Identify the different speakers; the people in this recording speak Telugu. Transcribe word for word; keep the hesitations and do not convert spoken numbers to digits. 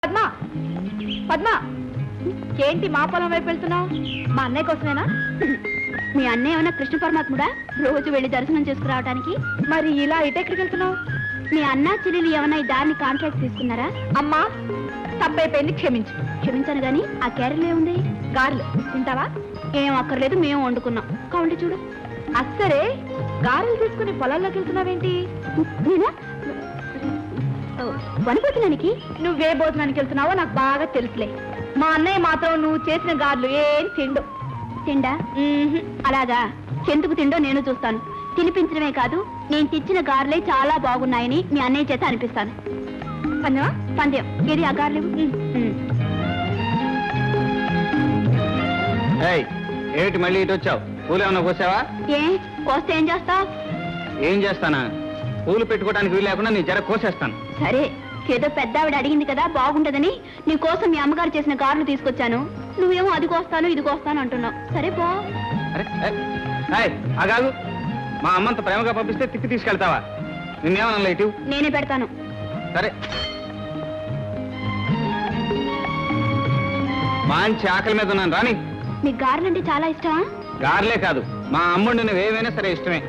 Speaker 1: పద్మ పద్మ ఏంటి మా పొలం వైపు వెళ్తున్నావు? మా అన్నయ్య కోసమేనా?
Speaker 2: మీ అన్నయ్య ఏమన్నా కృష్ణ పరమాత్ముడా రోజు వెళ్ళి దర్శనం చేసుకురావడానికి?
Speaker 1: మరి ఇలా ఇటెక్కడికి వెళ్తున్నావు?
Speaker 2: మీ అన్న చెల్లెలు ఏమన్నా ఈ దారిని కాంట్రాక్ట్ తీసుకున్నారా?
Speaker 1: అమ్మా తప్పైపోయింది, క్షమించు.
Speaker 2: క్షమించాను గాని ఆ క్యారెల్ ఏముంది?
Speaker 1: గారెలు తింటావా?
Speaker 2: ఏం అక్కర్లేదు, మేము వండుకున్నాం. కావండి చూడు.
Speaker 1: అస్సరే గారెలు తీసుకుని పొలాల్లోకి వెళ్తున్నావేంటి?
Speaker 2: నేనా వనిపోతున్నానికి?
Speaker 1: నువ్వే భోజనానికి వెళ్తున్నావో నాకు బాగా తెలుసులే. మా అన్నయ్య మాత్రం నువ్వు చేసిన గారెలు ఏం తిండు.
Speaker 2: తిండా? అలాగా, ఎందుకు తిండో నేను చూస్తాను. తినిపించడమే కాదు, నేను తెచ్చిన గారెలే చాలా బాగున్నాయని మీ అన్నయ్య చేత అనిపిస్తాను.
Speaker 1: పందెమా?
Speaker 2: పందెం. ఏది ఆ గారెలు?
Speaker 3: ఏమిటి మళ్ళీ ఇటు వచ్చావు? పూలు ఏమన్నా కోసావా?
Speaker 2: ఏ కోస్తే ఏం చేస్తావు?
Speaker 3: ఏం చేస్తానా? పూలు పెట్టుకోవడానికి వీలు లేకుండా నీ జర కోసేస్తాను.
Speaker 2: సరే, ఏదో పెద్ద ఆవిడ అడిగింది కదా బాగుంటదని నీ కోసం మీ అమ్మగారు చేసిన గారెలు తీసుకొచ్చాను. నువ్వేమో అది కోస్తాను ఇది కోస్తాను అంటున్నావు. సరే పో.
Speaker 3: అరే అగాగు, మా అమ్మంత ప్రేమగా పంపిస్తే తిప్పి తీసుకెళ్తావా? నిన్నేమన్నా ఇటు?
Speaker 2: నేనే పెడతాను.
Speaker 3: సరే, మంచి ఆకలి మీద ఉన్నాను రాని.
Speaker 2: మీకు గారెలంటే చాలా ఇష్టమా?
Speaker 3: గారెలే కాదు, మా అమ్ముడు నువ్వేమైనా సరే ఇష్టమే.